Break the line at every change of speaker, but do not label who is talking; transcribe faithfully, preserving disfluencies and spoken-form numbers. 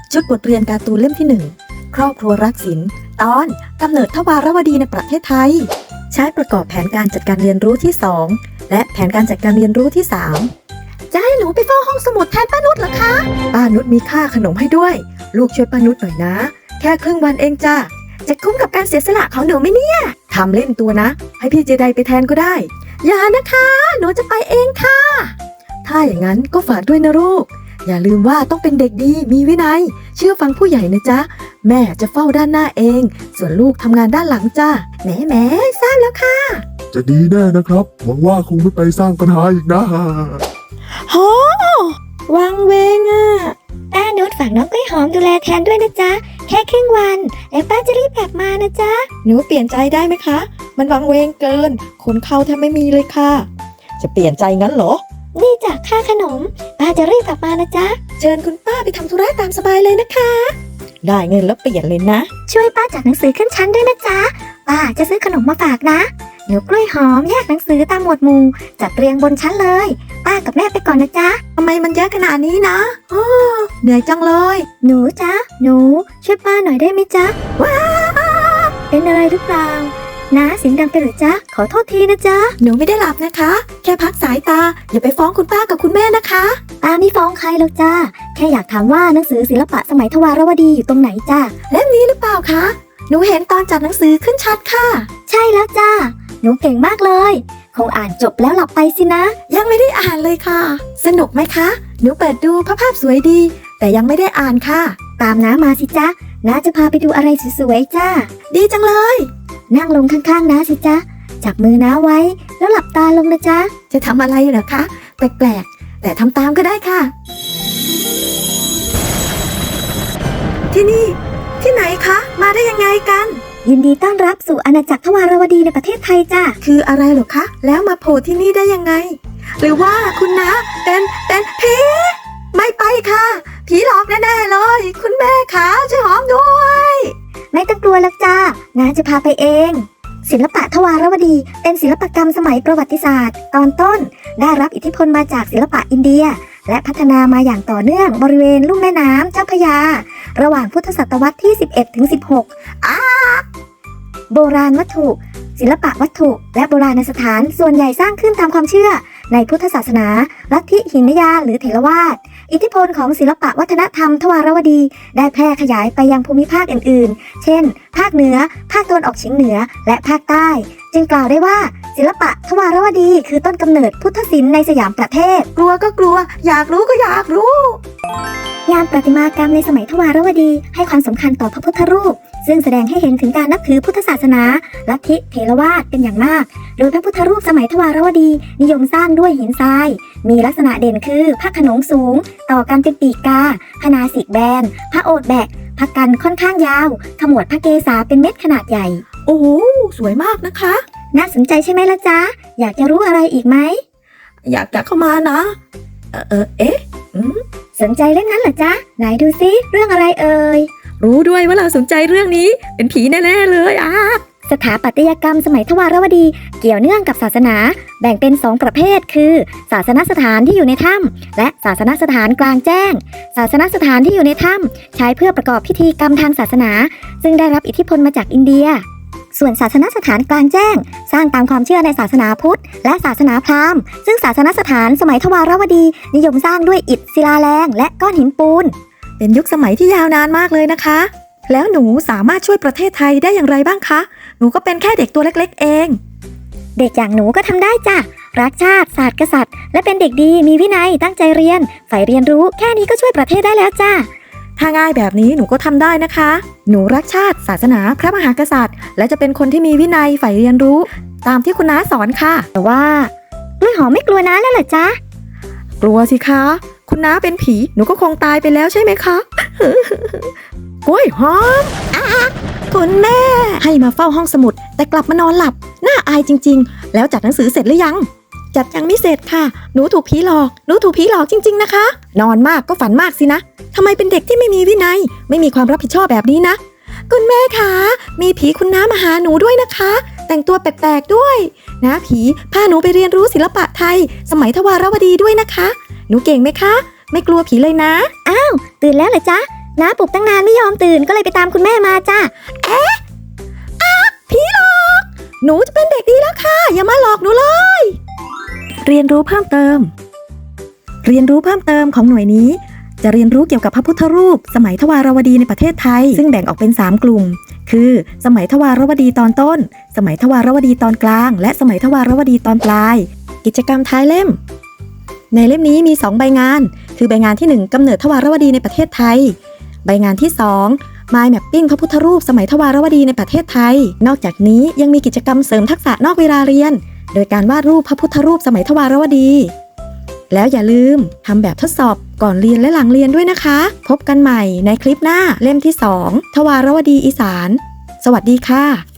ชุดบทเรียนการ์ตูนเล่มที่หนึ่งครอบครัวรักศิลป์ตอนกำเนิดทวารวดีในประเทศไทยใช้ประกอบแผนการจัดการเรียนรู้ที่สองและแผนการจัดการเรียนรู้ที่สามจะให้หนูไปเฝ้าห้องสมุดแทนป้านุชเหรอคะป้านุชมีค่าขนมให้ด้วยลูกช่วยป้านุชหน่อยนะแค่ครึ่งวันเองจ้ะจะคุ้มกับการเสียสละของหนูไหมเนี่ยทำเล่นตัวนะให้พี่เจไดไปแทนก็ได้อย่านะคะหนูจะไปเองค่ะถ้าอย่างนั้นก็ฝากด้วยนะลูกอย่าลืมว่าต้องเป็นเด็กดีมีวินัยเชื่อฟังผู้ใหญ่นะจ๊ะแม่จะเฝ้าด้านหน้าเองส่วนลูกทำงานด้านหลังจ้าแหมแหมทราบแล้วค่ะ
จะดีแน่นะครับหวังว่าคงไม่ไปสร้างปัญหาอีกนะ
โหวังเวงอ่ะ
ป้านุชฝากน้องกล้วยหอมดูแลแทนด้วยนะจ๊ะแค่ครึ่งวันแล้วป้าจะรีบกลับมานะจ๊ะ
หนูเปลี่ยนใจได้ไหมคะมันวังเวงเกินคนเข้าแทบไม่มีเลยค่ะจะเปลี่ยนใจงั้นเหรอ
นี่จ้ะค่าขนมป้าจะรีบกลับมานะจ๊ะ
เชิญคุณป้าไปทำธุระตามสบายเลยนะคะได้เงินแล้วเปลี่ยนเลยนะ
ช่วยป้าจัดหนังสือขึ้นชั้นด้วยนะจ๊ะป้าจะซื้อขนมมาฝากนะเดี๋ยวกล้วยหอมแยกหนังสือตามหมวดหมู่จัดเรียงบนชั้นเลยป้ากับแม่ไปก่อนนะจ๊ะ
ทำไมมันเยอะขนาดนี้นะโอ้เหนื่อยจังเลย
หนูจ๊ะหนูช่วยป้าหน่อยได้ไหมจ๊ะว้าเป็นอะไรหรือเปล่านะเสียงดังไปหรือจ๊ะขอโทษทีนะจ๊ะ
หนูไม่ได้หลับนะคะแค่พักสายตาอย่าไปฟ้องคุณป้ากับคุณแม่นะคะ
ป้าไม่ฟ้องใครหรอกจ้าแค่อยากถามว่าหนังสือศิลปะสมัยทวารวดีอยู่ตรงไหนจ้า
เล่มนี้หรือเปล่าคะหนูเห็นตอนจัดหนังสือขึ้นชัดค่ะ
ใช่แล้วจ้าหนูเก่งมากเลยคงอ่านจบแล้วหลับไปสินะ
ยังไม่ได้อ่านเลยค่ะสนุกไหมคะหนูเปิดดูภาพสวยดีแต่ยังไม่ได้อ่านค่ะ
ตามน้ามาสิจ๊ะน้าจะพาไปดูอะไรสวยๆจ้า
ดีจังเลย
นั่งลงข้างๆน้าสิจ๊ะจับมือน้าไว้แล้วหลับตาลงนะจ๊ะ
จะทำอะไรเหรอคะแปลกๆแต่ทำตามก็ได้ค่ะที่นี่ที่ไหนคะมาได้ยังไงกัน
ยินดีต้อนรับสู่อาณาจักรทวารวดีในประเทศไทยจ้ะ
คืออะไรเหรอคะแล้วมาโผล่ที่นี่ได้ยังไงหรือว่าคุณน้าเป็นเป็นผีไม่ไปค่ะผีหลอกแน่ๆเลยคุณแม่ขาช่วยหอมด้วย
ไม่ต้องกลัวหรอกจ้าน้าจะพาไปเองศิลปะทวารวดีเป็นศิลปกรรมสมัยประวัติศาสตร์ตอนต้นได้รับอิทธิพลมาจากศิลปะอินเดียและพัฒนามาอย่างต่อเนื่องบริเวณลุ่มแม่น้ำเจ้าพระยาระหว่างพุทธศตวรรษที่สิบเอ็ดถึงสิบหกอ้าโบราณวัตถุศิลปะวัตถุและโบราณสถานส่วนใหญ่สร้างขึ้นตามความเชื่อในพุทธศาสนาลัทธิหินยานหรือเถรวาทอิทธิพลของศิลปะวัฒนธรรมทวารวดีได้แพร่ขยายไปยังภูมิภาคอื่นๆเช่นภาคเหนือภาคตะวันออกเฉียงเหนือและภาคใต้จึงกล่าวได้ว่าศิลปะทวารวดีคือต้นกำเนิดพุทธศิลป์ในสยามประเทศ
กลัวก็กลัวอยากรู้ก็อยากรู้
งานประติมากรรมในสมัยทวารวดีให้ความสำคัญต่อพระพุทธรูปซึ่งแสดงให้เห็นถึงการนับถือพุทธศาสนาลัทธิเถรวาทเป็นอย่างมากโดยพระพุทธรูปสมัยทวารวดีนิยมสร้างด้วยหินทรายมีลักษณะเด่นคือพระโขนงสูงต่อกันเป็นปีกกาพนาสิกแบนพระโอษฐ์แบกพระกันค่อนข้างยาวขมวดพระเกศาเป็นเม็ดขนาดใหญ่
โอ้โหสวยมากนะคะ
น่าสนใจใช่ไหมล่ะจ๊ะอยากจะรู้อะไรอีกไหม
อยากจะเข้ามานะเออเออเอ๊ะ
สนใจเรื่องนั้นเหรอจ๊ะไหนดูซิเรื่องอะไรเอ่ย
รู้ด้วยว่าเราสนใจเรื่องนี้เป็นผีแน่ๆเลยอ่ะ
สถาปัตยกรรมสมัยทวารวดีเกี่ยวเนื่องกับศาสนาแบ่งเป็นสองประเภทคือศาสนสถานที่อยู่ในถ้ำและศาสนสถานกลางแจ้งศาสนสถานที่อยู่ในถ้ำใช้เพื่อประกอบพิธีกรรมทางศาสนาซึ่งได้รับอิทธิพลมาจากอินเดียส่วนศาสนสถานกลางแจ้งสร้างตามความเชื่อในศาสนาพุทธและศาสนาพราหมณ์ซึ่งศาสนสถานสมัยทวารวดีนิยมสร้างด้วยอิฐศิลาแรงและก้อนหินปูน
เป็นยุคสมัยที่ยาวนานมากเลยนะคะแล้วหนูสามารถช่วยประเทศไทยได้อย่างไรบ้างคะหนูก็เป็นแค่เด็กตัวเล็กๆเอง
เด็กอย่างหนูก็ทำได้จ้ะรักชาติศาสตร์กษัตริย์และเป็นเด็กดีมีวินัยตั้งใจเรียนใฝ่เรียนรู้แค่นี้ก็ช่วยประเทศได้แล้วจ้ะ
ถ้าง่ายแบบนี้หนูก็ทำได้นะคะหนูรักชาติศาสนาพระมหากษัตริย์และจะเป็นคนที่มีวินัยใฝ่เรียนรู้ตามที่คุณน้าสอนค่ะ
แต่ว่ากล้วยหอมไม่กลัวน้าแล้วเหรอจ๊ะ
กลัวสิคะคุณน้าเป็นผีหนูก็คงตายไปแล้วใช่ไหมคะกล้วยหอมคุณแม่ให้มาเฝ้าห้องสมุดแต่กลับมานอนหลับน่าอายจริงๆแล้วจัดหนังสือเสร็จหรือยังจัดยังไม่เสร็จค่ะหนูถูกผีหลอกหนูถูกผีหลอกจริงๆนะคะนอนมากก็ฝันมากสินะทำไมเป็นเด็กที่ไม่มีวินัยไม่มีความรับผิดชอบแบบนี้นะคุณแม่คะมีผีคุณน้ามาหาหนูด้วยนะคะแต่งตัวแปลกๆด้วยนะผีพาหนูไปเรียนรู้ศิลปะไทยสมัยทวารวดีด้วยนะคะหนูเก่งไหมคะไม่กลัวผีเลยนะ
อ้าวตื่นแล้วเหรอจ๊ะน้าปลุกตั้งนานไม่ยอมตื่นก็เลยไปตามคุณแม่มาจ้า
ผีหลอก หนูจะเป็นเด็กดีแล้วค่ะ อย่ามาหลอกหนูเลย เรียนรู้เพิ่มเติม เรียนรู้เพิ่มเติมของหน่วยนี้ จะเรียนรู้เกี่ยวกับพระพุทธรูป สมัยทวารวดีในประเทศไทย ซึ่งแบ่งออกเป็นสามกลุ่ม คือ สมัยทวารวดีตอนต้น สมัยทวารวดีตอนกลาง และสมัยทวารวดีตอนปลาย กิจกรรมท้ายเล่ม ในเล่มนี้มีสองใบงาน คือใบงานที่หนึ่งกำเนิดทวารวดีในประเทศไทย ใบงานที่สองMind Mapping พระพุทธรูปสมัยทวารวดีในประเทศไทย นอกจากนี้ยังมีกิจกรรมเสริมทักษะนอกเวลาเรียน โดยการวาดรูปพระพุทธรูปสมัยทวารวดี แล้วอย่าลืมทำแบบทดสอบก่อนเรียนและหลังเรียนด้วยนะคะ พบกันใหม่ในคลิปหน้าเล่มที่สองทวารวดีอีสาน สวัสดีค่ะ